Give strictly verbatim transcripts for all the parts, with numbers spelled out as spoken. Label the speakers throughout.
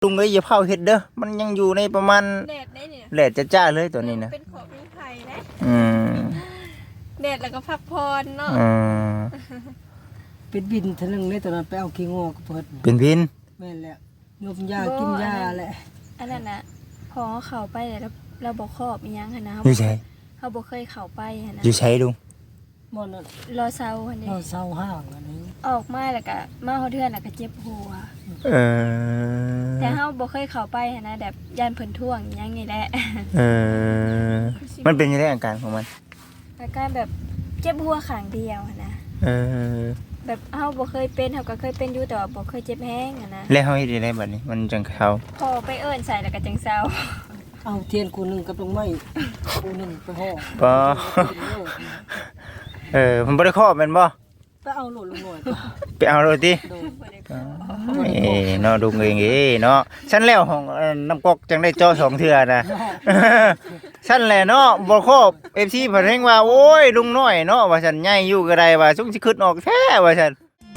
Speaker 1: ลุงเอ้ยอย่าเผาเห็ดเด้อมันยังอยู่ในประมาณ
Speaker 2: แดดได้เนี่ย
Speaker 1: แดดจะจ้าเลยตัวนี้นะ
Speaker 2: เป็นของมีไผ่นะ
Speaker 1: อืม
Speaker 2: แดดแล้วก็พักผ่อนเนาะ
Speaker 1: อืม
Speaker 3: เป็นบินทะลึงเลยตอนนั้นไปเอาขี้งอกเพิ่น
Speaker 1: เป็นพิน
Speaker 3: แม่นแล้วงมยากินยาแหละ
Speaker 2: อันนั้นน่ะพอเขาไปแล้วเราบ่ครอบอีหยังหั่นนะ
Speaker 1: อยู่ไส
Speaker 2: เขาบ่เคยเข้าไปหั่นนะ
Speaker 1: อยู่ไสลุง
Speaker 3: บ่นั่น
Speaker 2: รอเซาหั่นนี่
Speaker 3: เราเศร้าห้างอันนี้
Speaker 2: ออกมาแล้วก็มาเฮาเทื่อนแล้วก็เจ็บหัว
Speaker 1: เออ
Speaker 2: แต่เฮาบ่เคยเข้าไปหั่นนะแบบย่านเพิ่นท่วงอีหยังนี่แหละ
Speaker 1: เออมันเป็นยังไงอาการของมัน
Speaker 2: อาการแบบเจ็บหัวข้างเดียวหั่นนะ
Speaker 1: เออ
Speaker 2: แบบเฮาบ่เคยเป็นเฮาก็เคยเป็นอยู่แต่ว่าบ่เคยเจ็บแฮงอ่ะนะ
Speaker 1: แล้วเฮาเฮ็ดได้บัดนี้มันจังเข้า
Speaker 2: พอไปเอิ้นใส่แล้วก็จังเซา
Speaker 3: เอาเทียนกูนึงกับลงไม้กูนึงไปห่อ
Speaker 1: บ่เออมันบ่ได้ครอบแม่นบ่
Speaker 3: ไปเอาโหลดลงหน่อย
Speaker 1: ไปเอาโลดติเอ้เนาะลุงเองเอ้เนาะฉันแล้วของน้ำกอกจังได้เจาะสองเทื่อนะฉันแหละเนาะบ่ครบ เอฟ ซี เพิ่นเฮ็งว่าโอ้ยลุงน้อยเนาะว่าฉันใหญ่อยู่ก็ได้ว่าสุงสิขึ้นออกแท้ว่าฉัน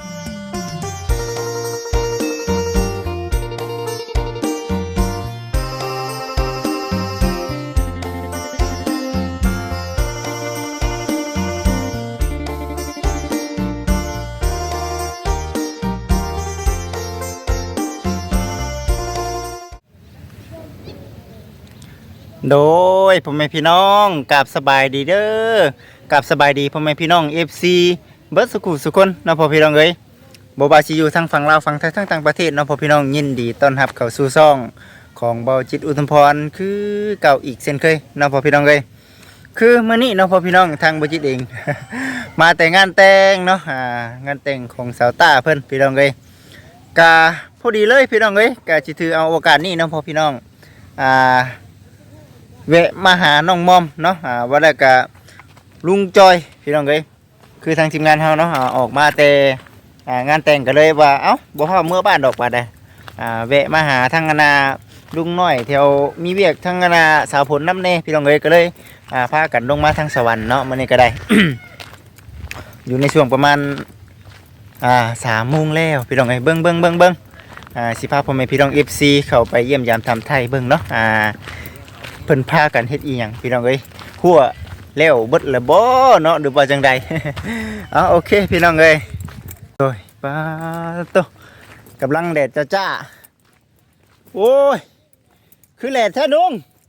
Speaker 1: โดยพ่อแม่พี่น้องกับสบายดีเด้อกับสบายดีพ่อแม่พี่น้อง เอฟ ซี เบิดสุขุสุคนเนาะพ่อพี่น้องเอ้ยบ่ว่าสิอยู่ทางฝั่งลาวฝั่งไทยทั้งต่างประเทศเนาะพ่อพี่น้องยินดีต้อนรับเข้าสู่ช่องของเบาจิตอุทุมพรคือเก่าอีกเช่นเคยเนาะพ่อพี่น้องเอ้ยคือมื้อนี้เนาะพ่อพี่น้องทางเบาจิตเอง มาแต่งานแต่งเนาะอ่างานแต่งของสาวต้าเพิ่นพี่น้องเอ้ยกะพอดีเลยพี่น้องเอ้ยกะสิถือเอาโอกาสนี้เนาะพ่อพี่น้องอ่าเวะมาหาน้องมอมเนาะอ่าว่าแล้วก็ลุงจอยพี่น้องเอ้ยคือทางทีมงานเฮาเนาะอ่าออกมาแต่อ่างานแต่งกันเลยว่าเอ้าบ่ฮอดเมื่อบ้านดอกบาดใดอ่าแวะมาหาทางนาลุงน้อยแถวมีเวียกทางนาสาวผลน้ำเน่พี่น้องเอ้ยก็เลยอ่าพากันลงมาทางสวรรค์เนาะมื้อนี้ก็ได้ อยู่ในช่วงประมาณอ่าสามโมงแล้วพี่น้องเอ้ยเบิ่งเบิ่งเบิ่งเบิ่งอ่าสิพาพ่อแม่พี่น้อง เอฟ ซี เข้าไปเยี่ยมยามทำไทยเบิ่งเนาะอ่าเพิ่นพากันเฮ็ดอีหยังพี่น้องเอ้ยหัวแล้วเบิดแล้วบ่เนาะหรือว่าจังใด เอาโอเคพี่น้องเอ้ยโอ้ยปาโตกำลังแดดจ้าๆโอ้ยคือแดดแท้นุ่ง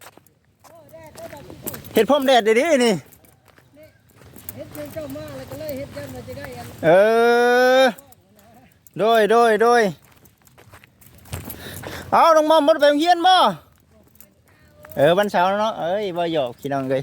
Speaker 1: เฮ็ดพร้อมแดดดีๆนี่
Speaker 3: เฮ็ดเจ้ามาแล้วก็เลยเฮ็ดยันว่าจะได้อัน
Speaker 1: เออโดยโดยโดยเอาน้องมอมบ่ไปโรงเรียนบ่เออวันเสาร์เนาะเอ้ยบ่หยอกพี่น้องเลย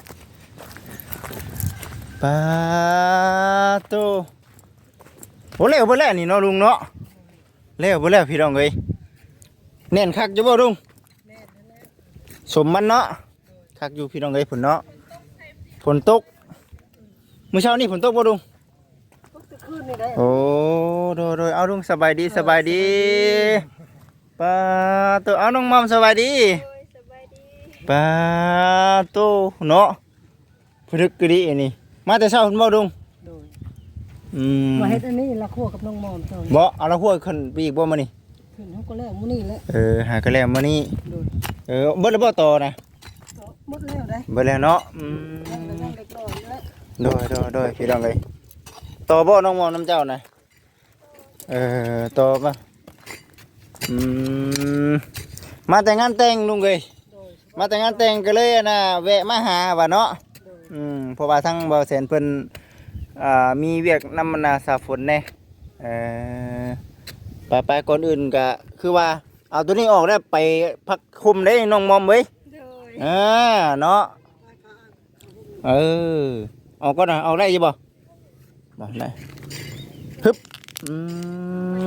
Speaker 1: ปาโตโหเร็วบ่แล้วนี่เนาะลุงเนาะเร็วบ่แล้วพี่น้องเลยแน่นคักอยู่บ่ลุงสมมันเนาะคักอยู่พี่น้องเลยฝนเนาะฝนตกมื้อเช้านี่ฝนตกบ่ลุงโอ้โดยโดยเอาลุงสบายดีสบายดีปาโตเอาน้องมอมสบายดีปาโตเนาะพลึกกะดิอันนี้มาแต่เช้าคุณบ่ดุงอืม
Speaker 3: มาเฮ็ดอันนี้ละคั่วกับน้องมอมเจ้า
Speaker 1: บ่เอาละคั่วขึ้นไปอีกบ่มื้อนี้
Speaker 3: ขึ้นเฮาก็แล้วมื้อนี้แหละ
Speaker 1: เออหาก็แล้วมื้อนี้เออเบิดแล้วบ่ต่อนะ
Speaker 3: หมดแล้วได้
Speaker 1: เบิดแล้วเนาะอืมโดยโดยโดยพี่น้องเอ้ยต่อบ่น้องมอมน้ำเจ้านะเออต่อบ่อืมมาแต่งานแต่งลุงเอ้ยมาแต่งงานแต่งก็เลยนะแวะมาหาว่าเนาะอืมเพราะว่าทั้งบ่าวแสนเพิ่นอ่ามีเวียกนำนาสาฝนแน่เอ่อไปไปก่อนอื่นก็คือว่าเอาตัวนี้ออกแล้วไปพักคุมได้น้องมอมเว้ยอ่าเนาะเออเอาก็ได้เอาได้อยู่บ่บ่ได้ฮึบอืม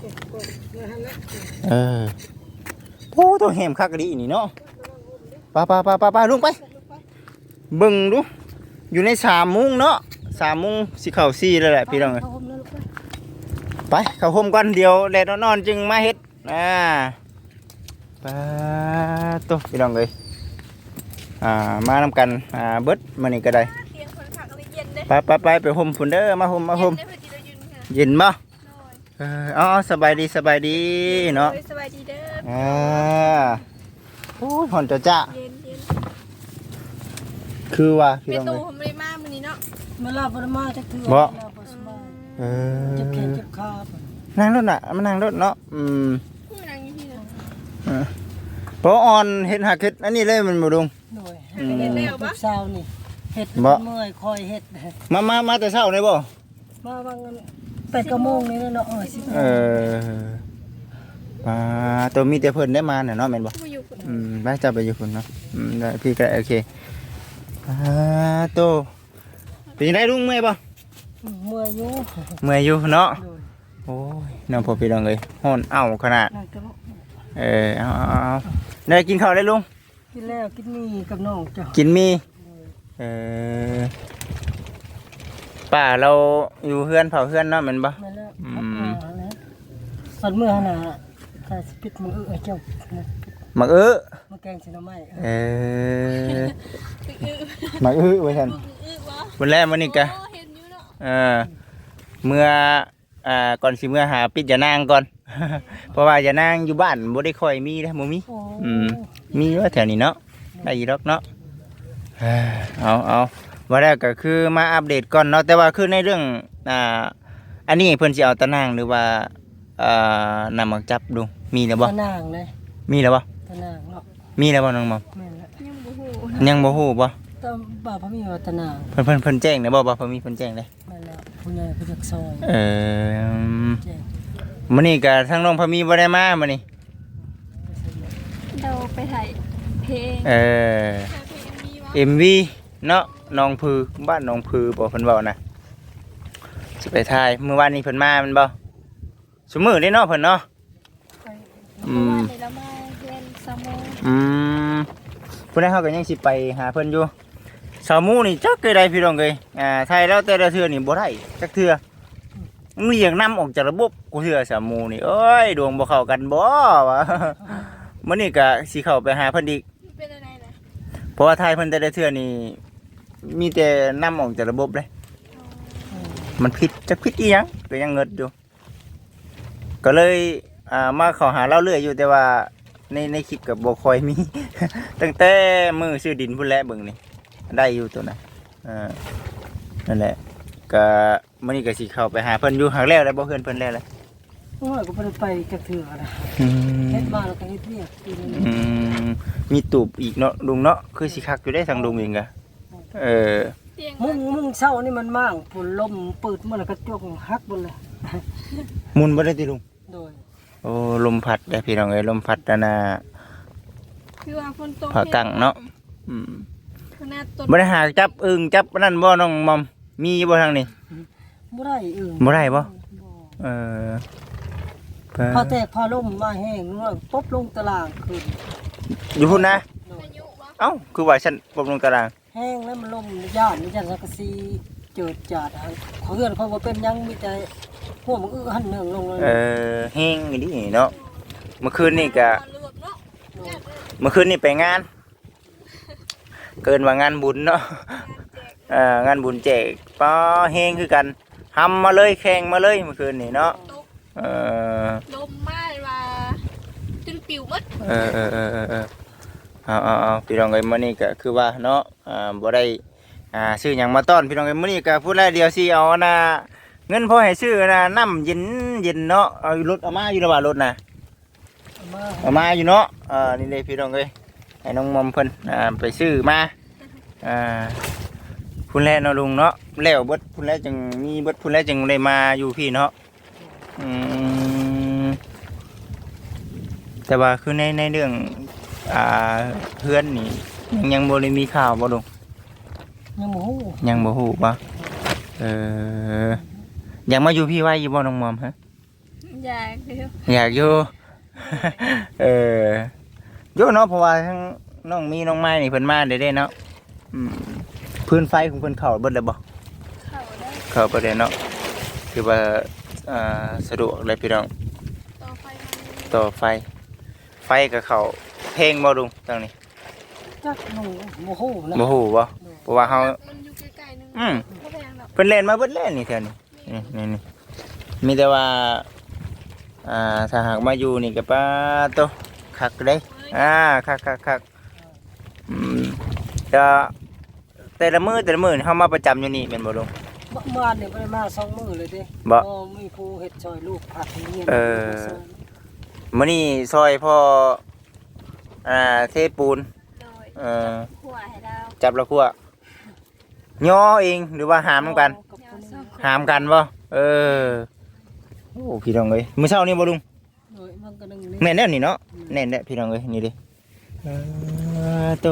Speaker 1: เออโอ้ตัวแหมคักดีนี่เนาะปาปาปาปาปาลุงไปเบิ่งดูอยู่ในสามมุ้งเนาะสามมุ้งสีเข่าสีแล้วแหละพี่น้องไปเข้าห่มกันเดียวแดดนอนจึงมาเฮ็ดอ่าปาตัวพี่น้องเลยอ่ามานำกันอ่าเบิดมานี่ก็ได้ไปไปไปไปห่มฝุ่นเด้อมาห่มมาห่มเย็นบ่เอออ๋อสบายดีสบายดีเนาะ
Speaker 2: สบายดีเด้อ
Speaker 1: อ่าโอ้ยหอนจะจ้า
Speaker 2: เย็นเย็น
Speaker 1: คือว่าพี่
Speaker 2: เป็น
Speaker 1: น้อง
Speaker 2: ตู
Speaker 1: เอ้ย
Speaker 2: ผมเลยมามื้อนี้เนาะ
Speaker 3: มาลาบ่ได้มาจักเทื่อ
Speaker 1: บ่
Speaker 3: ลาบ่สบาย
Speaker 1: เอ
Speaker 3: เจ็บแขน
Speaker 1: อ
Speaker 3: เจ็บขา
Speaker 1: นั่งรถน่ะมันนั่งรถเนาะอืม
Speaker 2: ผู้นางอยู่ที่เนาะ
Speaker 1: เออเพราะออนเฮ็ดหักเฮ็ดอันนี้เลยมันบ่ดุง
Speaker 3: หน่อย
Speaker 1: อืม
Speaker 3: เฮ็ดแล้วบ่เช้านี่เฮ็ด
Speaker 1: บ่
Speaker 3: เมื่อยคอยเฮ็ด
Speaker 1: มามามาแต่เช้าเลยบ่
Speaker 3: มาบางแปดเก้าโมงนี่เนาะเออสิบ
Speaker 1: เอออ่าตัวมีแต่เพิ่นได้มาน่ะเนาะแม่นบ่
Speaker 2: ผู้อยู่คน
Speaker 1: อืมไปจะไปอยู่พุ่นเนาะอืมได้พี่ก็โอเคอ่าโตเป็นจังไดลุงเมื่อยบ่
Speaker 3: เมื่อยอยู่
Speaker 1: เมื่อยอยู่เนาะ
Speaker 3: โดย
Speaker 1: โอ้ยน้องพ่อพี่น้องเอ้ยฮ้อนเอ้าขนาด
Speaker 3: นั่นก็
Speaker 1: เออเอาเอาเอาได้กินข้าวได้ลุง
Speaker 3: กินแล้วกินนี่กับน้องจ้ะ
Speaker 1: กินมีเออป้าเราอยู่เฮือนเผาเฮือนเนาะแม่นบ่
Speaker 3: มาแล้ว
Speaker 1: อื
Speaker 3: อื
Speaker 1: ม
Speaker 3: มแล้วสันเมื่อหนาถ้าสิปิดมือเออเจ้า
Speaker 1: มักเอ้อ
Speaker 3: มาแกงสิหน่อไม้
Speaker 1: เออมักเอ้อไว้ซั่น
Speaker 2: อื้อวะ
Speaker 1: วันแรกมื้อนี้กะ
Speaker 2: โอ้เห็นอยู่เนาะ
Speaker 1: เออเมื่ออ่าก่อนสิเมื่อหาปิดยานางก่อน เพราะว่ายานางอยู่บ้านบ่ได้ค่อยมีเด้อบ่มี
Speaker 3: โอ้
Speaker 1: อืม มีว่าแถวนี้เนาะได้อีดอกเนาะเอ้อเอาเอาว่าแล้วก็คือมาอัปเดตก่อนเนาะแต่ว่าคือในเรื่องอ่าอันนี้เพิ่นสิเอาตะนางหรือว่าอ่านำมาจับดูมีแล้วบ่
Speaker 3: ตะนางเลย
Speaker 1: มีแล้วบ่
Speaker 3: ตะนางเนาะ
Speaker 1: มีแล้วบ่น้องมอม
Speaker 3: แม่นละ
Speaker 2: ยังบ่ฮู้
Speaker 1: ยังบ่ฮู้บ่
Speaker 3: ตะบ่าวพระมีว่าตะนาง
Speaker 1: เพิ่นเพิ่นเพิ่นแจ้งได้บ่บ่เพิ่นมีเพิ่นแจ้งได้
Speaker 3: แม่นละผู้ใหญ่ผู้จักซอย
Speaker 1: เออ
Speaker 3: แจ้ง
Speaker 1: มื้อนี้ก็ทางน้องพะมีบ่ได้มามื้อนี้
Speaker 2: เราไปถ่ายเพลง
Speaker 1: เออ
Speaker 2: ถ่ายเพลงมีวะ
Speaker 1: เอ็ม วี เนาะหนองพือบ้านหนองพือบ่เพิ่นเว้านะสิไปถ่ายเมื่อวานนี้เพิ่นมาแมันบ่ซุมื้อนี้เนาะเพิ่นเนาะ
Speaker 3: ไป
Speaker 1: อื
Speaker 2: เมื่อ
Speaker 1: ม
Speaker 2: วานนี้เรามาเรียนสามโมง
Speaker 1: อืมพุ่นใดเฮาก็ยังสิไปหาเพิ่นอยู่สาวหมู่นี่จักเกยได้พี่น้องเอ้ยอ่าไทยแล้วแต่ละเทื่อนี่บ่ได้จักเทื่อมันอยากนำออกจากระบบกูเทื่อสาวหมู่นี่เอ้ยดวงบ่เข้ากันบ่วะ มื้อนี้ก็สิเข้าไปหาเพิ่นอีก
Speaker 2: มันเป็นอะไรนะ
Speaker 1: เพราะว่าไทยเพิ่นแต่ละเทื่อนี่มีแต่นำออกจากระบบเลย มันผิดจะผิดอีหยังก็ยังเงิดอยู่ ก็เลยอ่ามาเขอหาเล่าเรื่อยอยู่แต่ว่าในในคลิปกับบ่คอยมี ตั้งแต่มือซื้อดินพุ่นแหละเบิ่งนี่ได้อยู่ตัวน่ะอ่านั่นแหละก็มื้อนี้ก็สิเข้าไปหาเพิ่นอยู่หางแล้วแล้วบ่เฮือนเพิ่นแล้วเลย
Speaker 3: โอ้ยก็บ่ได้ไปจักเทื่อนะ
Speaker 1: อื
Speaker 3: เฮ็ด
Speaker 1: ม
Speaker 3: มาแล้วก็เฮ็ดเวียกอยู่นั่น
Speaker 1: อืมมีตูบอีกเนาะลุงเนาะคือสิคักอยู่ได้ทางลุงเองกะเออ
Speaker 2: เตียง
Speaker 3: มุ้งมุ้งเช้านี่มันมั่างฝนลมเปิดมาแล้วก็จกหักหมดเลย
Speaker 1: หมุนบ่ได้ติลุง
Speaker 3: โดย
Speaker 1: โอ้ลมพัดได้อพี่น้องเอ้ยลมพัดนั่นน่ะ
Speaker 2: คือว่าฝนตก
Speaker 1: ผากังเนาะอืม
Speaker 2: ขนาดต้น
Speaker 1: บ่ได้หาจับอึ่งจับนั่นบ่น้องมอมมีบ่ทางนี้
Speaker 3: บ่ได้เอื่น
Speaker 1: บ่ได้บ่ เออ
Speaker 3: พอแตกพอลมมาแห้งนู่นปุ๊บลงตารางขึ้น
Speaker 1: อยู่พุ่นนะ
Speaker 2: พายุวะ
Speaker 1: เอ้าคือว่าฉันปรับลงตาราง
Speaker 3: แห้งแล้วมันลมย่านมีจันสักกะซีเจิดจาดหันเขาเฮือนเขาบ่เป็นหยังมีแต่หัวมันอื้อหันเนืองลงเลย
Speaker 1: เออแห้งอีนี่เนาะเมื่อคืนนี่ก็
Speaker 2: เลือกเนาะ
Speaker 1: เมื่อคืนนี่ไปงาน เกินว่างานบุญเนาะเอ่องานบุญแจกป้อแห้งคือกันทำมาเลยแข่งมาเลยเมื่อคืนนี่เนาะ
Speaker 2: ตก
Speaker 1: เออ
Speaker 2: ลมมากว่าจนปิวหมด
Speaker 1: เออเออเออเออเออเอาเอาเอาพี่น้องเอ้ยมื้อนี้ก็คือว่าเนาะอ่าบ่ได้อ่าซื้อหยังมาต้อนพี่น้องเอ้ยมื้อนี้ก็พูดแล้วเดียวสิเอานะเงินพอให้ซื้อนะน้ำเย็นเย็นเนาะเอารถเอามาอยู่ระหว่างรถนะ
Speaker 3: เอามา
Speaker 1: เอามาอยู่เนาะอ่านี่เลยพี่น้องเอ้ยให้น้องมอมเพิ่นอ่าไปซื้อมาอ่าพุ่นแลเนาะลุงเนาะแล้วเบิดพุ่นแลจึงมีเบิดพุ่นแลจึงได้มาอยู่พี่เนาะอืมแต่ว่าคือในในเรื่องอ่าเพื่อนนี่ยังยังบ่ได้มีข่าวบ่ลุง
Speaker 3: ยังบ่ฮู้
Speaker 1: ยังบ่ฮู้บ่เอออยากมาอยู่พี่ไว้อยู่บ่น้องมอมฮะ
Speaker 2: อยากเดียว
Speaker 1: อยากอยู่ เอออยู่เนาะเพราะว่าทั้งน้องมีน้องไม้นี่เพิ่นมาได้เด้เนาะอืมพื้นไฟของเพิ่นเข้าเบิดแล้วบ่
Speaker 2: เข้าได้
Speaker 1: เข้าบ่ได้เนาะคือว่าอ่าสะดวกเลยพี่น้อง
Speaker 2: ต่อไฟมัน
Speaker 1: ต่อไฟ ไฟก็เข้าเพลงบ่ลุงตรงนี้
Speaker 3: จักหนูบ่ฮู้นะ
Speaker 1: บ่ฮู้บ่เพราะว่าเฮา
Speaker 2: มันอยู่ใกล้ๆนึง
Speaker 1: อืม
Speaker 2: บ่แพงหรอก
Speaker 1: เพิ่นเล่นมาเบิดแล้วนี่แถวนี้นี่นี่นี่มีแต่ว่าอ่าถ้าหากมาอยู่นี่ก็ป้าโตคักเด้อ่าคักคักคักอืมจะแต่ละมื้อแต่ละมื้อนี่เฮามาประจำอยู่นี่แม่นบ่ลุง
Speaker 3: เมื่อวานนี่บ่ได้มาสองมื้อเลยเด้
Speaker 1: บ่
Speaker 3: อ๋อมีผู้เฮ็ดซอยลูกผักเรียน
Speaker 1: เออ มื้อนี้ซอยพ่ออ่าเทปูน
Speaker 2: โดย
Speaker 1: เออ
Speaker 2: ขัวให้เรา
Speaker 1: จับแล้วคั่วย่อเองหรือว่าหามกัน
Speaker 2: เดี๋ยวซ่อม
Speaker 1: หามกันบ่เออโอ้พี่น้องเอ้ยมื้อเช้านี่บ่ลุง
Speaker 3: โดยมันก็นึงนี่
Speaker 1: แม่นแน่นี่เนาะแน่นแน่พี่น้องเอ้ยนี่เดิเออโต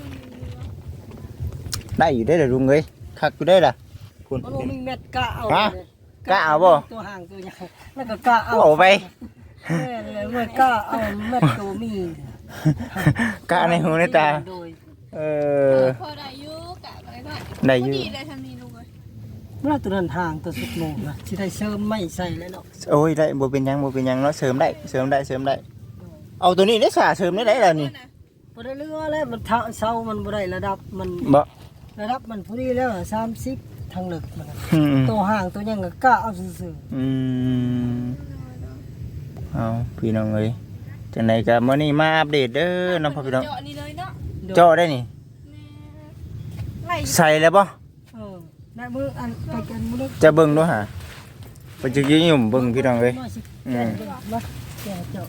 Speaker 1: ได้อยู่ได้อเด้อลุงเอ้ยคักอยู่ได้อล่ะคุณ
Speaker 3: มันบ่มีเม็ดกะเอา
Speaker 1: ฮะ
Speaker 3: เลย
Speaker 1: กะเอาบ่
Speaker 3: ตัวห่างตัวใหญ่แล้วก็กะเอา
Speaker 1: เอาไป
Speaker 3: แม่นเลยเมื่อกะเอาเม็ดตัวมี
Speaker 1: กะในหูในตา
Speaker 3: โดย
Speaker 1: เออ
Speaker 2: พอได้อยู่กะไว้ก่อน
Speaker 1: ได้อยู่
Speaker 2: พดีเลยทำนี้ลูกเอ้ย
Speaker 3: เมื่อตัวนั้นห่างตัวสุดโมงนะสิได้เสริมไม่ใส่แล้วเนาะ
Speaker 1: โอ้ยได้บ่เป็นหยังบ่เป็นหยังเนาะเสริมได้เสริมได้เสริมได้ เอาตัวนี้ได้สาเสริมได้ได้ล่ะนี่
Speaker 3: บ่ได้เรือแล้วมันเท่าเซามันบ่ได้ระดับมัน
Speaker 1: บ่
Speaker 3: ระดับมันพอดีแล้วสามสิบทางเลึกมัน
Speaker 1: อืม
Speaker 3: ตัวห่างตัวยังก็กะเอาซื่อ
Speaker 1: อืมเอาพี่น้องเอ้ยจังไดก็มื้อนี้มาอัปเดตเด้อน้องพ่อพี่น้อง
Speaker 2: เจาะนี่เลยเนาะ
Speaker 3: ๆ
Speaker 1: เจาะได้นี่
Speaker 2: แม่ไล่
Speaker 1: ใส่แล้วบ่
Speaker 3: เออได้มืออันไปกันมื้อนึง
Speaker 1: จะเบิ่งดูหาไปจึกยิ่งยุ่มเบิ่งพี่น้องเอ้ย
Speaker 3: มาสิ
Speaker 1: อืม
Speaker 3: แกะมาแกะเจาะ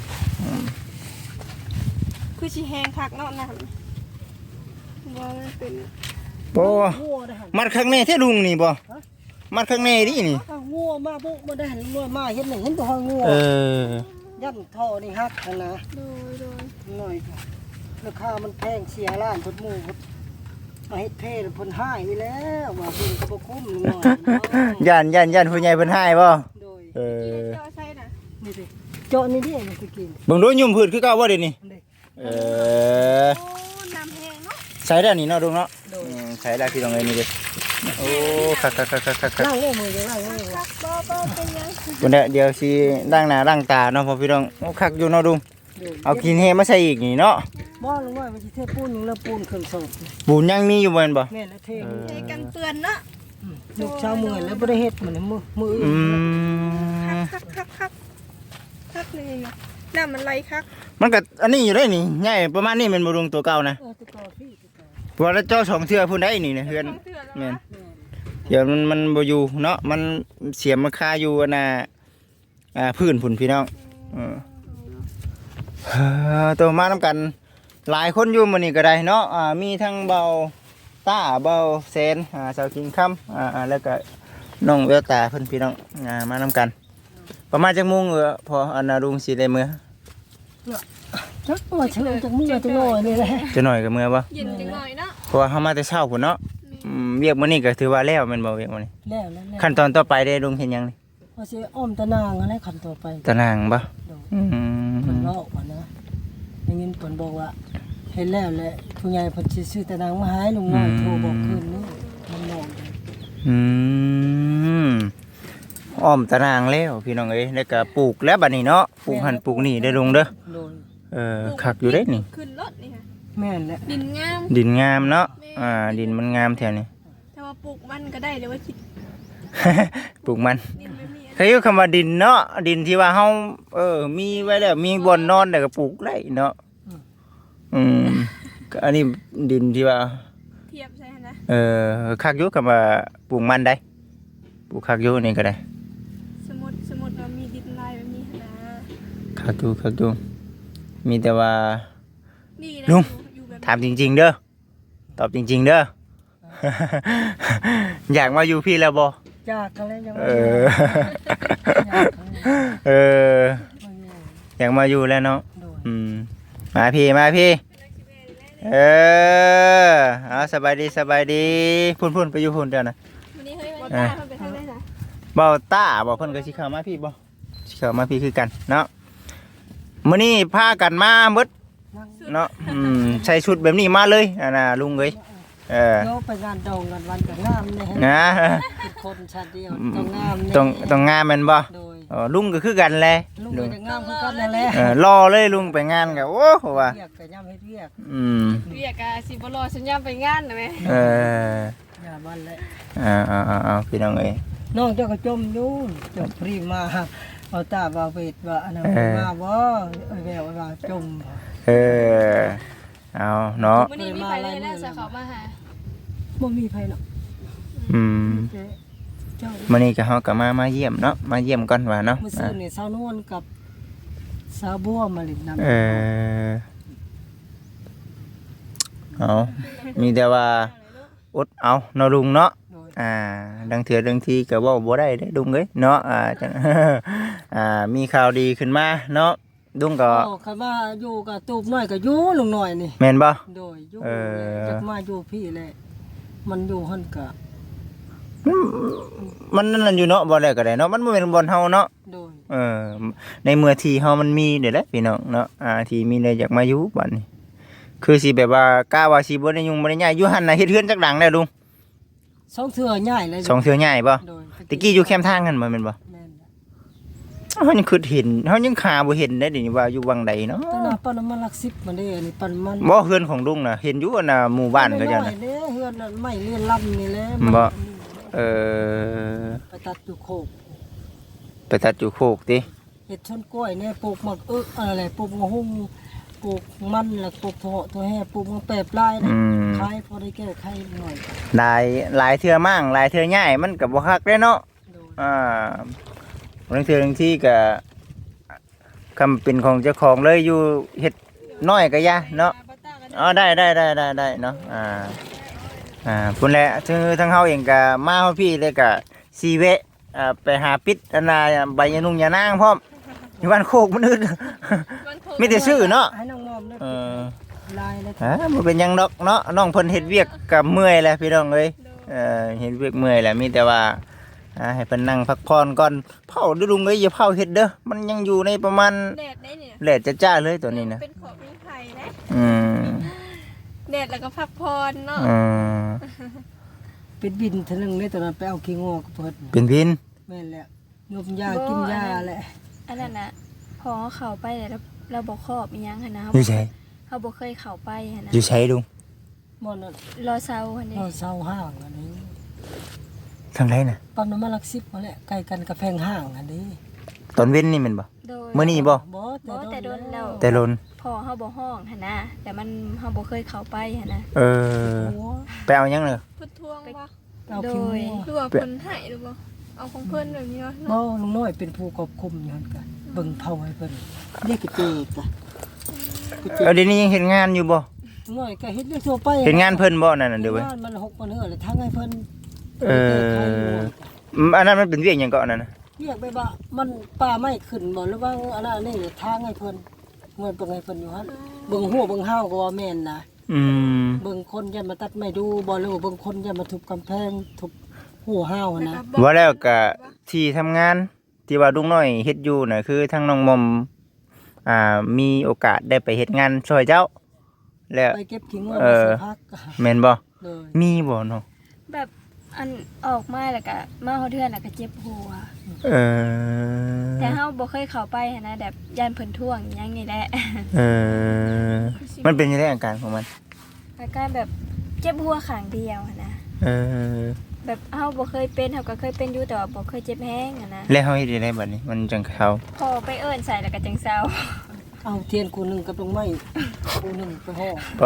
Speaker 2: คือสิแห้งคักเนาะน้ำบ่มันเป็น
Speaker 1: โอ้
Speaker 3: งัวได้หั่น
Speaker 1: มัดข้างในแท้ลุงนี่บ่มัดข้างในดินี่
Speaker 3: เอางัวมาบุบ่ได้หั่นงัวมาเห็นนี่เห็นบ่ฮองัว
Speaker 1: เออ
Speaker 3: ยันท่อนี่ฮักหั่นนะ
Speaker 2: โดยโดย
Speaker 3: หน่อยราคามันแพงเสียล้านพุ่นหมู่พุ่นมาเฮ็ดเพศพุ่นหายไปแล้วว่าเพิ่นก็บ่คุ้มลุงน้อยเนาะ
Speaker 1: ย่านย่านย่านผู้ใหญ่เพิ่นให้บ่
Speaker 3: โดย
Speaker 1: เออ
Speaker 2: เจาะใส่น่ะ
Speaker 3: นี่ดิเจาะนี่ดิมันสิกิน
Speaker 1: เบิ่งดูยุ่มพืชคือเก่าบ่เดี๋ยวนี้
Speaker 3: นี่
Speaker 1: เออ
Speaker 2: โอ้น้ำแห้งเนาะ
Speaker 1: ใส่ได้นี่เนาะลุงเนาะ
Speaker 3: โดย
Speaker 1: อืมใส่ได้พี่น้องเอ้ยนี่เด้โอ้คักคักคักคักคักคัก
Speaker 3: ล้างมือมือจะล้างมือ
Speaker 2: คักบ่บ่เป็นหยัง
Speaker 1: วันนี้เดี๋ยวสิล้างหน้าล้างตาเนาะพ่อพี่น้องโอ้คักอยู่เนาะลุง
Speaker 3: โดย
Speaker 1: เอากินเฮมาใส่อีกนี่เนาะ
Speaker 3: บ่ลุงน้อยมันสิเทปูนนึงแล้วปูนเครื่องสอบ
Speaker 1: ปูนยังมีอยู่บ่แม่นบ่
Speaker 3: แม่นแล้วเท
Speaker 1: เออ
Speaker 2: ใช้กันเปื้อนเนาะ
Speaker 3: ลูกชาวเมืองแล้วบ่ได้เฮ็ดมันมือมือ
Speaker 1: อืม
Speaker 2: คักคักคักคักเลยนะน้ำมันไหลคัก
Speaker 1: มันก็อันนี้อยู่ได้นี่ใหญ่ประมาณนี้แม่นบ่ลุงตัวเก่านะ
Speaker 3: เออตะกอพี่ตะกอ
Speaker 1: ว่าแล้วเจ้าสองเทื่อพุ่นได้นี่นะเฮือน
Speaker 2: ต้องเถื่อนแล้ว
Speaker 1: แม่น
Speaker 2: นะ
Speaker 3: แม่น
Speaker 1: เดี๋ยวมันมันบ่อยู่เนาะมันเสียมมันคาอยู่อันน่ะอ่าพื้นพุ่นพี่น้องเออเอ่อตัวมานํกันหลายคนอยู่มื้อนี้ก็ได้เนาะอ่ามีทั้งเบาต้าเบาแสนอ่าสาวกินค่ำอ่าอ่าแล้วก็น้องแววตาเพิ่นพี่น้องอ่ามานํกัน ประมาณจักโมงเออพออันน่ะลุงสิได้มื้อ
Speaker 3: จักว่าเชิญจักมือจักน้อยนี่แหละ
Speaker 1: จะหน่อยก็มื้อบ่
Speaker 2: เย็นจังหน่อยเนาะ
Speaker 1: เพราะว่าเฮามาแต่เช้าพุ่นเนาะอืมเวียกมื้อนี้ก็ถือว่าแล้วแม่นบ่เวียกมื้อนี้
Speaker 3: แล้วแล้วแล้ว
Speaker 1: ขั้นตอนต่อไปได้ลุงเห็นหยังนี่
Speaker 3: ว่าสิอ้อมตะนางอะไรขั้นต่อไป
Speaker 1: ตารางบ่
Speaker 3: โดย
Speaker 1: อืม
Speaker 3: เพิ่นเล่าว่านะได้ยินเพิ่นบอกว่าเห็นแล้วแหละผู้ใหญ่เพิ่นสิซื้อตะนางมาให้ลุงน้อยโทรบอกคืนนี้มันนอนอยู่
Speaker 1: อืมอ้อมตารางแล้วพี่น้องเอ้ยแล้วก็ปลูกแล้วบัดนี้เนาะปลูกหันปลูกนี่ได้ลุงเด้อ
Speaker 3: โดย
Speaker 1: เออคักอยู่เด้นี่
Speaker 2: ขึ้นรถนี่ค่ะ
Speaker 3: แม่นแหละ
Speaker 2: ดินงาม
Speaker 1: ดินงามเนาะอ่าดินมันงามแถวนี้
Speaker 2: แต่ว่าปลูกมันก็ได้เดี๋ยวว่าคิด
Speaker 1: ปลูกมัน
Speaker 2: ดินไม่มี
Speaker 1: เคยอยู่คำว่าดินเนาะดินที่ว่าเฮาเออมีไว้แล้วมีบ่อนนอนแล้วก็ปลูกได้เนาะอืมก็อันนี้ดินที่ว่า
Speaker 2: เทียบใช่ไหมนะ
Speaker 1: เออคักอยู่คำว่าปลูกมันได้ปลูกคักอยู่นี่ก็ได้
Speaker 2: สมมติสมมติว่ามีดินลายแบบนี้นะ
Speaker 1: คักอยู่คักอยู่มีแต่ว่า
Speaker 2: นี่นะ
Speaker 1: ลุง
Speaker 2: อยู่อยู่แบบ
Speaker 1: ถามจริง ๆ เด้อตอบจริง ๆ เด้อ อยากมาอยู่พี่แล้วบ่
Speaker 3: จากกันแล้วยัง
Speaker 1: เออ เอออยากมาอยู่แล้วเนาะ
Speaker 3: โดย
Speaker 1: อืมมาพี่มาพี่เออเอาสบายดีสบายดีพุ่นพุ่นไปอยู่พุ่นเดี๋ยวนะ
Speaker 2: วันนี้เฮ้ยวันตาเขาไปทางไหนนะ
Speaker 1: เบาต้าบอกเพิ่นก็สิเข้ามาพี่บ่สิเข้ามาพี่คือกันเนาะมื้อนี้พากันมาหมดเนาะอืมใส่ชุดแบบนี้มาเลยอ่าน่ะลุงเอ้ยเออ
Speaker 3: โยไปงานดองกันวันกับงามเลยฮะ
Speaker 1: นะ
Speaker 3: เป็นคนชาติเดียวต้องงามเนี่ย
Speaker 1: ต้องต้องงามแม่นบ่
Speaker 3: โดย
Speaker 1: เออลุงก็คือกันแหละ
Speaker 3: ลูกก็จะงามคือกันนั่นแหละ
Speaker 1: เออรอเลยลุงไปงานก็โอ้โหว่า
Speaker 3: เรียกก็ย่ำให้เรียก
Speaker 1: อืม
Speaker 2: เรียกอะสิบรอสัญญาไปงานนะแม่
Speaker 1: เออ
Speaker 3: อย่าบ้านแหละ
Speaker 1: เอาเอาเอาเอาพี่น้องเอ้ย
Speaker 3: น้องเจ้าก็จมอยู่จมพรีมาเอาตาว่าเวทว่าอันนั้น
Speaker 1: เออ
Speaker 3: มาบ่ไอ้แววว่าจม
Speaker 1: เออเอาเนาะ
Speaker 2: มื้อนี้มีใครเลยนะจะเขามาหา
Speaker 3: บ่มีไผหรอก
Speaker 1: อืม
Speaker 3: แต่เจ้า
Speaker 1: มื้อนี้ก็เฮาก็มามาเยี่ยมเนาะมาเยี่ยมก่อนว่าเนาะ
Speaker 3: มื้อซื่อนี่สาวนวลกับสาวบัวมาเล่นน้ำ
Speaker 1: เออเอามีแต่ว่าอดเอาเนาะลุงเนาะ
Speaker 3: โดย
Speaker 1: อ่าดังเถื่อดังทีก็เว้าบ่ได้เด้ลุงเอ้ยเนาะอ่าจัง อ่ามีข่าวดีขึ้นมาเนาะลุงก็
Speaker 3: โอ้คันว่าอยู่กับตูบน้อยก็อยู่ลุงน้อยนี่
Speaker 1: แม่นบ่
Speaker 3: โดยอยู่
Speaker 1: เออ
Speaker 3: จักมาอยู่พี่แหละมันอยู่หั่นก็
Speaker 1: มันนั่นนะอยู่เนาะบ่ได้ก็ได้เนาะมันบ่แม่นบ่อนเฮาเนาะ
Speaker 3: โดย
Speaker 1: เออในเมื่อที่เฮามันมีเด้แหละพี่น้องเนาะอ่าที่มีได้อยากมาอยู่บัดนี้คือสิแบบว่ากล้าว่าสิบ่ได้ยุ่งบ่ได้ย้ายอยู่หั่นน่ะเฮ็ดเฮือนจักหลังแล้วลุง
Speaker 3: สองเทื่อใหญ่เลย
Speaker 1: สองเทื่อย้ายบ่
Speaker 3: โดย
Speaker 1: ตะกี้อยู่แคมป์ทางกันบ่แม่นบ่
Speaker 3: แม่น
Speaker 1: เฮายังคิดเห็นเฮายังคาบ่เห็นได้ดิว่าอยู่วังใดเนาะ
Speaker 3: ตนาปานน้ำมันหลักสิบมาเด้อันนี้ปานมัน
Speaker 1: บ่เฮือนของลุงน่ะเห็นอยู่อันน่ะหมู่บ้านก็จัง
Speaker 3: น้อ
Speaker 1: น่ะ
Speaker 3: ยๆเด้เฮือนนั่นไม่เลียนลำนี่แหละ
Speaker 1: บ่
Speaker 3: มัน
Speaker 1: เออ
Speaker 3: ไปตัดอยู่โคก
Speaker 1: ไปตัดอยู่โคกติ
Speaker 3: เห็ดชนกล้วยเนี่ยปลูกหมักเอึกอะไรปลูกมะฮุ่งปลูกมันแล้วปลูกถั่วถั่วแห่ปลูกมะแปบลายนะ
Speaker 1: อืม
Speaker 3: ขายพอได้แก้ไขหน่อย
Speaker 1: หลายหลายเทื่อมั่งหลายเทื่อย้ายมันก็บ่คักเด้เนาะ
Speaker 3: โดย
Speaker 1: อ่าบางเทื่อบางที่ก็คำเป็นของเจ้าของเลยอยู่เฮ็ดน้อยก็ยะเนาะอ๋อได้ได้ได้ได้ได้เนาะอ่าอ่าพุ่นแหละคือทั้งเฮาเองก็มาเฮาพี่เลยก็สีเวะอ่าไปหาปิดอันน่ะใบยานุ่งยานางพร้อมอยู่บ้านโคกมันอึด มีแต่ชื่อเนาะ
Speaker 3: ให้น้องมอมได้
Speaker 1: เออ
Speaker 3: ลายเลย
Speaker 1: ฮะบ่เป็นหยังดอกเนาะน้องเพิ่นเฮ็ดเวียกก็เมื่อยแหละพี่น้องเอ้ยเออเฮ็ดเวียกเมื่อยแหละมีแต่ว่าอ่าให้เพิ่นนั่งพักผ่อนก่อนเผาดูลุงเอ้ยอย่าเผาเฮ็ดเด้อมันยังอยู่ในประมาณ
Speaker 2: แดดได้เนี่ย
Speaker 1: แดดจ้าๆเลยตัวนี้นะ
Speaker 2: เป็นของมีไผ่นะ
Speaker 1: อืม
Speaker 2: แดดแล้วก็พักผ่อนเนาะ
Speaker 1: อืม
Speaker 3: เป็นบินเทนึงเลยตอนนั้นไปเอาขี้งอกเพิ่น
Speaker 1: เป็นพิน
Speaker 3: แม่นแหละยมยากินยาแหละ
Speaker 2: อันนั้นน่ะพอเขาไปแล้วเราบ่ครอบอีหยังหั่นนะ
Speaker 1: อยู่ไส
Speaker 2: เขาบ่เคยเข้าไปหั่นนะ
Speaker 1: อยู่ไสลุง
Speaker 3: มันน่ะ
Speaker 2: รอเซาหั่นนี่
Speaker 3: เราเศร้าห้างอันนี้
Speaker 1: ทางไหนน่ะ
Speaker 3: ปั๊มน้ำมันหลักสิบมาแหละใกล้กันกับแพงห้างอันนี้
Speaker 1: ตอนเว้นนี่แม่นบ่
Speaker 2: โดย
Speaker 1: มื้อนี้บ่
Speaker 3: บ่
Speaker 2: บ่แต่โดนแล้ว
Speaker 1: แต่ลน
Speaker 2: พอเฮาบ่ห้องหั่นนะแต่มันเฮาบ่เคยเข้าไปหั่นนะ
Speaker 1: เออ
Speaker 3: โอ้
Speaker 1: ไปเอาหยังเด้อ
Speaker 2: เพิ่นทวงบ่
Speaker 3: เอา
Speaker 2: โด
Speaker 3: ขี้ง
Speaker 2: ย
Speaker 3: อก
Speaker 2: หรือว่าเพิ่นให้หรือบ่เอาของเพิ่นแบบนี้วะ
Speaker 3: บ่ลุงน้อยเป็นผู้ควบคุมอยู่หั่นกันเบิ่งเผาให้เพิ่นนี่ก็เจกะก็เจ
Speaker 1: เอาเดี๋ยวนี้ยังเฮ็ดงานอยู่บ่
Speaker 3: ลุงน้อยก็เฮ็ดเรื่องทั่วไป
Speaker 1: เฮ็ดงานเพิ่นบ่นั่นน่ะเด้อเว้ย
Speaker 3: งานมันหกมันเหือเลยทั้งให้เพิ่น
Speaker 1: เอออืมอันนั้นมันเป็นเวียกหยังก็อันนั้นน่ะ
Speaker 3: เรียกไปว่ามันป่าไม่ขึ้นบ่หรือว่าอันนั้นนี่ทางให้เพิ่นเงินเบิ่งให้เพิ่นอยู่หั่นเบิ่งหัวเบิ่งห้าวก็ว่าแม่นนะ
Speaker 1: อืม
Speaker 3: เบิ่งคนยันมาตัดไม้ดูบ่หรือว่าเบิ่งคนยันมาทุบกำแพงทุบหัวห้าวอะนะ
Speaker 1: ว่าแล้วก็ที่ทำงานที่ว่าลุงน้อยเฮ็ดอยู่น่ะคือทางน้องมอมอ่ามีโอกาสได้ไปเฮ็ดงานช่วยเจ้า แล้ว
Speaker 3: ไปเก็บขี้งัว
Speaker 1: เอ
Speaker 3: มา
Speaker 1: อ
Speaker 3: ใส่พัก
Speaker 1: แม่นบ่
Speaker 3: เลย
Speaker 1: มีบ่เนาะ
Speaker 2: แบบอันออกมาแล้วก็มาเฮาเทื่อนแล้วก็เจ็บหัว
Speaker 1: เออ
Speaker 2: แต่เฮาบ่เคยเข้าไปหั่นนะแบบย่านเพิ่นท่วงอิหยังนี่แหละ
Speaker 1: เออมันเป็นยังไงอาการของมัน
Speaker 2: อาการแบบเจ็บหัวข้างเดียวหั่นนะ
Speaker 1: เออ
Speaker 2: แบบเฮาบ่เคยเป็นเฮาก็เคยเป็นอยู่แต่ว่าบ่เคยเจ็บแฮงหั่นนะ
Speaker 1: แล้วเฮาเฮ็ดได้บัดนี้มันจังเข้า
Speaker 2: พอไปเอิ้นใส่แล้วก็จังเซา
Speaker 3: เอาเทียนกูหนึงกับดอกไม้กูหนึงไปห่อ
Speaker 1: บ่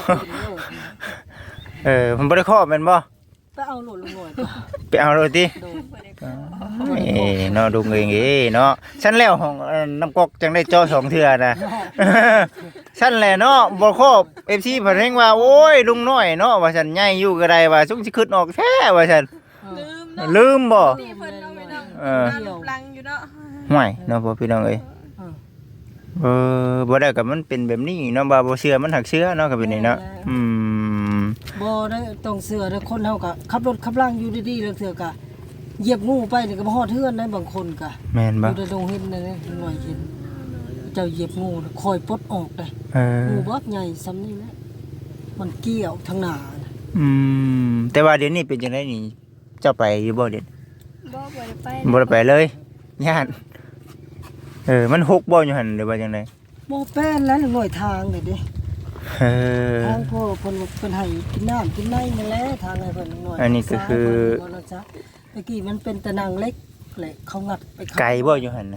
Speaker 1: เออมันบ่ได้ครอบแม่นบ่
Speaker 3: ไปเอาโหลดลงหน่อย
Speaker 1: ไปเอาเลยติ
Speaker 3: โดน
Speaker 1: เอ้เนาะดูเองเอ้เนาะฉันแล้วของเอ่อน้ำกอกจังได้จ่อสองเทื่อนะ ฉันแหละเนาะบ่ครบ เอฟ ซี เพิ่นเร่งว่าโอ้ยลุงน้อยเนาะว่าฉันใหญ่อยู่ก็ได้ว่าสุงสิขึ้นออกแท้ว่าฉัน
Speaker 2: ลืมเนาะ
Speaker 1: ลืมบ่
Speaker 2: นี่เพิ่นเอาไปนั่ง
Speaker 1: เออ
Speaker 2: หน้าลังอยู่เนาะ
Speaker 1: ห่วยเนาะพ่อพี่น้องเอ้ยเออบ่ได้ก็มันเป็นแบบนี้เนาะบ่าบ่เชื่อมันหักเชื่อเนาะก็เป็นนี่เนาะอืม
Speaker 3: บ่ได้ต้องเสือได้คนเฮาก็ขับรถขับล่างอยู่ดีๆแล้วเสือก็เหยียบงูไปนี่ก็บ่ฮอดเฮือนได้บางคนก็
Speaker 1: แม่น
Speaker 3: อ
Speaker 1: บ่
Speaker 3: ยู่ในโรงเห็นนั่นนี่หน่อยเห็นเจ้าเหยียบงูน่ะคอยปลดออกได้
Speaker 1: เออ
Speaker 3: งูบักใหญ่ซ้ำนี่แหละมันเกี่ยวทางหน้าน่ะ
Speaker 1: อืมแต่ว่าเดี๋ยวนี้เป็นจังได๋นี่เจ้าไปอยู่บ่เดี๋ยว
Speaker 2: บ่บ่ได้ไป
Speaker 1: บ่ได้ไปเลยย่านเออมันหกบ่อยู่หั่นหรือว่าจังได
Speaker 3: บ่แป้นแล้วหน่อยทางนี่เด้
Speaker 1: เออ
Speaker 3: ทางพ่อเพิ่นเพิ่นให้กินน้ำกินในนั่นแหละทางให้เพิ่นหน่อย
Speaker 1: อันนี้ก็คือ
Speaker 3: ตะกี้มันเป็นตะนางเล็กแหละเขางัดไปเข้า
Speaker 1: ไกลบ่อยู่หั่นน่ะ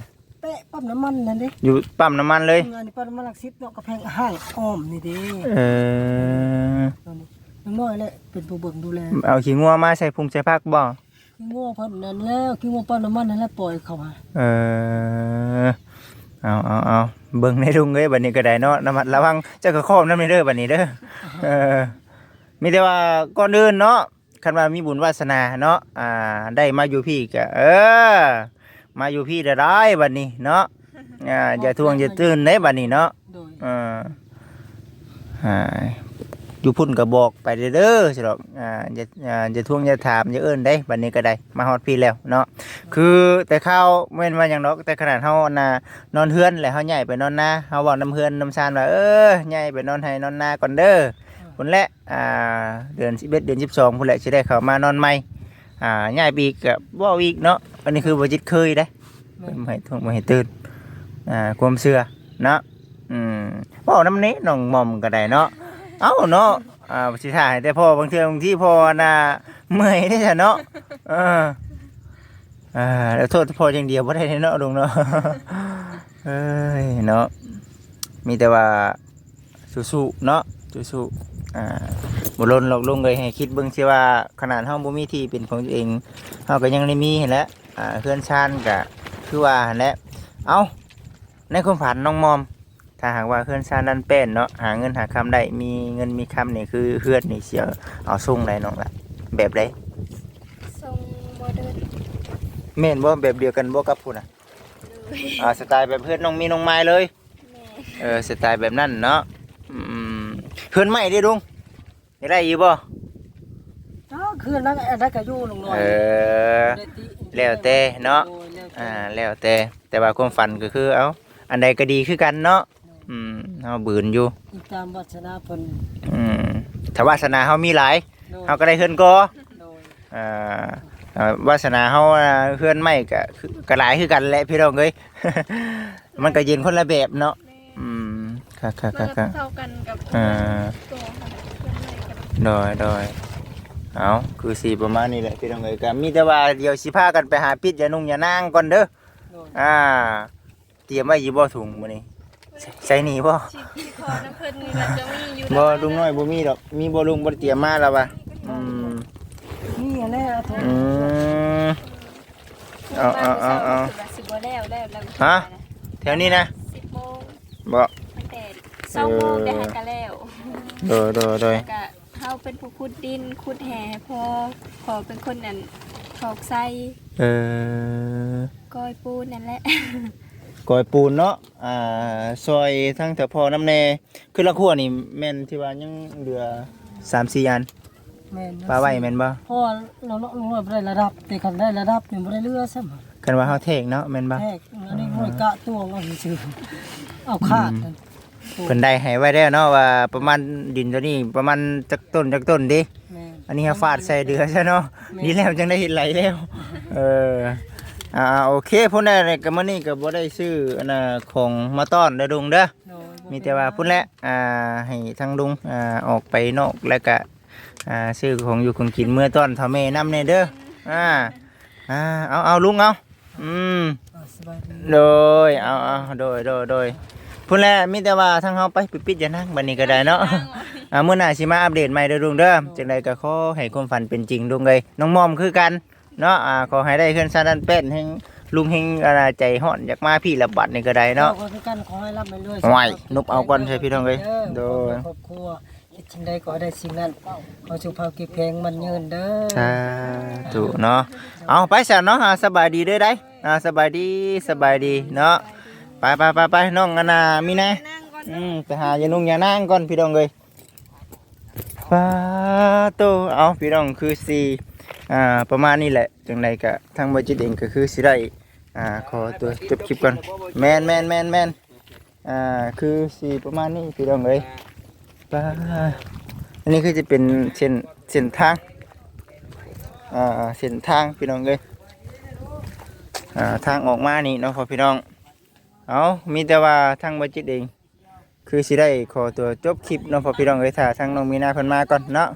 Speaker 3: เป๊ะปั๊มน้ำมันนั่นดิ
Speaker 1: อยู่ปั๊มน้ำมันเลย
Speaker 3: งานนี้ปั๊มน้ำมันหลักสิบเนาะกระแพงห้างอ้อมนี่เดิ
Speaker 1: เออ
Speaker 3: น้องน้อยแหละเป็นผู้เบิ่งดูแล
Speaker 1: เอาขี้งัวมาใส่พุงใส่ผักบ่
Speaker 3: ขี้งัวเพิ่นนั่นแล้วขี้งัวปั๊มน้ำมันนั่นแหละปล่อยเข้ามา
Speaker 1: เออเอาเอาเอาเบิ่งในดุงเอ้ยบัดนี้ก็ได้เนาะระมัดระวังเจ้าก็ครอบนำนี่เด้อบัดนี้เด้อเออมีแต่ว่าก่อนอื่นเนาะคันว่ามีบุญวาสนาเนาะอ่าได้มาอยู่พี่ก็เออมาอยู่พี่ได้ได้บัดนี้เนาะอ่าอย่าทวงอย่าตื่นเด้บัดนี้เนาะ
Speaker 3: โดย
Speaker 1: เอออ่าอยู่พุ่นก็บอกไปเด้อๆสิดอกอ่าอย่าอ่าอย่าทวงอย่าถามอย่าเอิ้นได้บัดนี้ก็ได้มาฮอดพี่แล้วเนาะคือแต่ข้าวแม่นว่าหยังดอกแต่ขนาดเฮาน่ะนอนเฮือนแล้วเฮาย้ายไปนอนนาเฮาเว้าน้ำเฮือนน้ำซานว่าเออย้ายไปนอนไห้นอนนาก่อนเด้อพุ่นแหละอ่าเดือนสิบเอ็ดเดือนสิบสองพุ่นแหละสิได้เข้ามานอนใหม่อ่าย้ายไปอีกก็เว้าอีกเนาะอันนี้คือบ่จิตเคยเด้เพิ่นบ่ให้ทวงบ่ให้ตื่นอ่าความเชื่อเนาะอืมเว้าน้ำนี้น้องหม่อมก็ได้เนาะเอ้าเนาะอ่าสิถ่ายแต่พ่อบางเทื่อบางที่พ่อน่ะเมื่อยได้ซะเนาะเอออ่าแล้วโทษพ่ออย่างเดียวบ่ได้เนาะลุงเนาะ เอ้ยเนาะมีแต่ว่าสู้ๆเนาะสู้ๆอ่าบ่ลนหรอกลุงเลยให้คิดเบิ่งสิว่าขนาดเฮาบ่มีที่เป็นของตัวเองเฮาก็ยังได้มีหั่นแหละอ่าเฮือนชานก็คือว่าหั่นแหละเอ้าในความฝันน้องมอมถ้าหากว่าเฮือนชานนั้นเป็นเนาะหาเงินหาคำได้มีเงินมีคำนี่คือเฮือนนี่เสียเอาส่งได้น้องล่ะแบบใด
Speaker 2: ทรงโมเดิร์น
Speaker 1: แม่นบ่แบบเดียวกันบ่กับพุ่นน่ะ
Speaker 2: เลย
Speaker 1: อ่าสไตล์แบบเพื่อนน้องมีน้องไม้เลย
Speaker 2: แม่
Speaker 1: เออสไตล์แบบนั้นเนาะอืมเพื่อนใหม่ดิลุงได้ได้อยู่บ่
Speaker 3: อ้าวคืนนั้นอันนั้นก็อยู่ลงน้อย
Speaker 1: เออ แล้วแต่เนาะ
Speaker 3: โอ้ยแล้วแต่
Speaker 1: อ่าแล้วแต่แต่ว่าความฝันก็คือเอาอันใดก็ดีคือกันเนาะอืมเฮาบืนอยู่
Speaker 3: อีกตามวัฒนาเพิ่น
Speaker 1: อืมถ้าวาสนาเฮามีหลาย
Speaker 3: โดย
Speaker 1: เฮาก็ได้เฮือนกอ
Speaker 3: โดย
Speaker 1: อ่าอ่าวาสนาเฮาอ่าเฮือนใหม่ก็คือก็หลายคือกันแหละพี่น้องเอ้ย มันก็เย็นคนละแบบเนาะอืมค่ะค่ะ
Speaker 2: มัน
Speaker 1: ค่ะ
Speaker 2: ก็
Speaker 1: ค่ะ
Speaker 2: เท่ากันกับ
Speaker 1: อ่า
Speaker 2: ตัวค่ะเพื่อนเลยกัน
Speaker 1: โดยโดยเอาคือสีประมาณนี้แหละพี่น้องเอ๋ยก็มีแต่ว่าเดี๋ยวสิพากันไปหาปิดยานุ่งยานางก่อนเด้อ
Speaker 3: โดย
Speaker 1: อ่าเตรียมไว้อยู่บ่ถุงมื้อนี้ใส่ใส่นี่บ่
Speaker 2: ชีที่คอน้ำเพิ่นนี่มันจะมีอยู่
Speaker 1: บ่ลุงน้อยบ่มีดอกมีบ่ลุงบ่ได้เตรียมมาแล้วว่ะอืม
Speaker 3: นี่อันนี้อะโทษ
Speaker 1: อืม เอาเอาเอาเอา
Speaker 2: สิบโมงแล้วแล้วแล้ว
Speaker 1: ฮะ แถวนี้นะ
Speaker 2: สิบโมง
Speaker 1: บ่
Speaker 2: ตั้งแต่สองโมงได้หันกันแล้ว
Speaker 1: โดยโดยโดย
Speaker 2: แล้วก็เฮาเป็นผู้ขุดดินขุดแห่พอขอเป็นคนนั่นถอกไส้
Speaker 1: เออ
Speaker 2: ก้อยปูนนั่นแหละ
Speaker 1: กอยปูนเนาะอ่าซอยทั้งแถวพอน้ำแน่คือละครัวนี่แม่นที่ว่ายังเหลือสามสี่อัน
Speaker 3: แม่น
Speaker 1: ปลาไว้แม่นบ่
Speaker 3: เพราะว่าเราลงน้อยบ่ได้ระดับแต่คันได้ระดับนี่บ่ได้เรือซ้ำ
Speaker 1: กันว่าเฮาเทกเนาะแม่นบ่
Speaker 3: แทกอันนี้หน่วยกะตวงเอาซื่อๆเอาขาดนั่น
Speaker 1: เพิ่นได้ให้ไว้แล้วเนาะว่าประมาณดินตัวนี้ประมาณจักต้นจักต้นดิ
Speaker 3: แม่น
Speaker 1: อันนี้เฮาฟาดใส่เดือซะเนาะดีแล้วจังได้เห็นไหลแล้ว เอออ่าโอเคพุ่นได้ก็มื้อนี้ก็บ่ได้ซื้ออันน่ะของมาต้อนเด้อลุงเด้อ
Speaker 3: โดยบ่
Speaker 1: มีแต่ว่าพุ่นแหละอ่าให้ทางลุงอ่าออกไปนอกแล้วก็อ่าซื้อของอยู่ของกินเมื่อต้อนเฒ่าแม่นำแน่เด้ออ่าอ่าเอาเอาลุงเอาอืม
Speaker 3: อ่าสบายดี
Speaker 1: โดยเอาเอาโดยโดยโดยพุ่นแหละมีแต่ว่าทางเฮาไปปิดๆอย่านั่งบัดนี้ก็ได้เนาะ อ่ามื้อหน้าสิมาอัปเดตใหม่เด้อลุงเด้อจังไดก็ขอให้ความฝันเป็นจริงลุงเอ้ยน้องมอมคือกันเนาะอ่าขอให้ได้เฮือนซาดันเป็ดแห่งลุงแห่งอ่าใจฮ้อนอยากมาพี่ละบัดนี่ก็ได้เนาะ
Speaker 3: ขอให้กันขอให้รับไปเรื่อย
Speaker 1: ไหวนุบเอาก่อนใช่พี่น้องเอ้ยโดย
Speaker 3: ครอบครัวคิดสิ่งใดก็ได้สิ่งนั้นขอสุขภาพแข็งแรงมันยืนเด้อ
Speaker 1: สาธุเนาะเอาไปซะเนาะอ่าสบายดีเด้อได้อ่าสบายดีสบายดีเนาะไปไปไปไปน้องอันน่ะมีแน่
Speaker 2: นั่งก่อน
Speaker 1: อืมไปหาอย่านุ่งอย่านั่งก่อนพี่น้องเลยฟ้าโตเอาพี่น้องคือสีอ่าประมาณนี้แหละจังไรก็ทางบริจิตเองก็คือสิได้อ่าขอตัวจบคลิปก่อนแมนแมนแมนแมนอ่าคือสีประมาณนี้พี่น้องเลยฟ้าอันนี้คือจะเป็นเส้นเส้นทางอ่าเส้นทางพี่น้องเลยอ่าทางออกมานี่เนาะพอพี่น้องเอามีแต่ว่าทางบริจิตเอง คือสิได้ขอตัวจบคลิปเนาะพอพี่น้องเอ้ยถ้าทางน้องมีนาเพิ่นมาก่อนเนาะ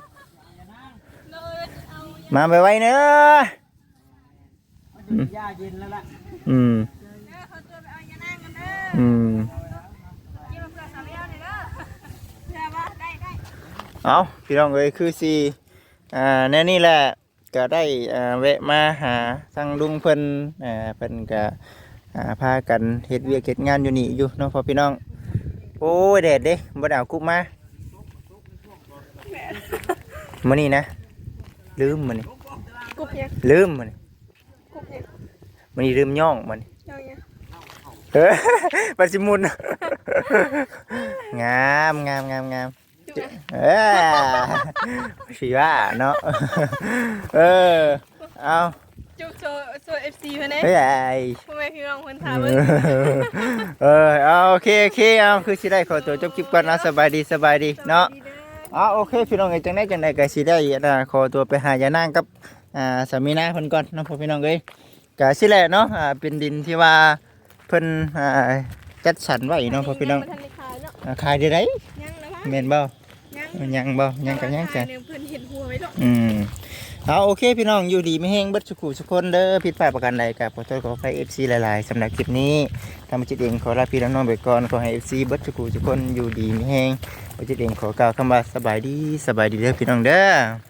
Speaker 1: มาไปไว้เนอะอืม
Speaker 3: ยาเย็นแล้วล่ะ
Speaker 1: อืม
Speaker 2: เขาตัวไปเอา
Speaker 1: อืม
Speaker 2: กินมาเพื่อสาวเลี้ยวนี่เด้อเดี๋ยวว่าได้ได้
Speaker 1: เอาพี่น้องเอ้ยคือสิอ่าแน่นี่แหละก็ได้อ่าแวะมาหาทางลุงเพิ่นอ่าเพิ่นก็อ่าพากันเฮ็ดเวียกเฮ็ดงานอยู่นี่อยู่เนาะพ่อพี่น้องโอ้ยแดดเด้บ่ได้เอากุ๊บมามื้อนี้นะลืมมื้อนี้
Speaker 2: กุบเนี่ย
Speaker 1: ลืมมื้อนี้
Speaker 2: กุบเนี่ย
Speaker 1: มื้อนี้ลืมย่องมื้อนี้
Speaker 2: เจ้าเนี่ย
Speaker 1: เออ ปัดสิมุน งามงามงามงาม
Speaker 2: จุ๊บ
Speaker 1: เออสีว่าเนาะ เออเอา
Speaker 2: จุ๊บโชว์โชว์เอฟซีเพื่อนเน่
Speaker 1: เฮ้ยไอ้
Speaker 2: พ่อแม่พี่น้องคนถามเบิ่ง
Speaker 1: เออเอาโอเคโอเคเอาคือสิได้ขอตัวจบคลิปก่อนนะสบายดีสบายดีเนาะเอาโอเคพี่น้องเอ้ยจังได้จังได้ก็สิได้อ่าขอตัวไปหายานางกับอ่าสามีนาเพิ่นก่อนเนาะพ่อพี่น้องเอ้ยก็สิแหละเนาะอ่าเป็นดินที่ว่าเพิ่นอ่าจัดสรรไว้เนาะพ่อพี่น้อง
Speaker 2: ยับ่ทันได้ขายเนาะ
Speaker 1: อ่าขายได้ได
Speaker 2: ยังนะวะ
Speaker 1: แม่นบ่
Speaker 2: ยัง
Speaker 1: ยังบ่ยังกันยังกัน
Speaker 2: เพิ่นเห็นหัวไว้ดอก
Speaker 1: อืมเอาโอเคพี่น้องอยู่ดีไม่แห้งเบิดสุขุสุกคนเด้อผิดพลาดประการใดกับขอโทษขออภัย เอฟ ซี หลายๆสำหรับคลิปนี้ทำจิตเองขอลาพี่น้องๆไปก่อนขอให้ เอฟ ซี เบิดสุขุสุกคนอยู่ดีไม่แห้งจิตเองขอกล่าวคำว่าสบายดีสบายดีเด้อพี่น้องเด้อ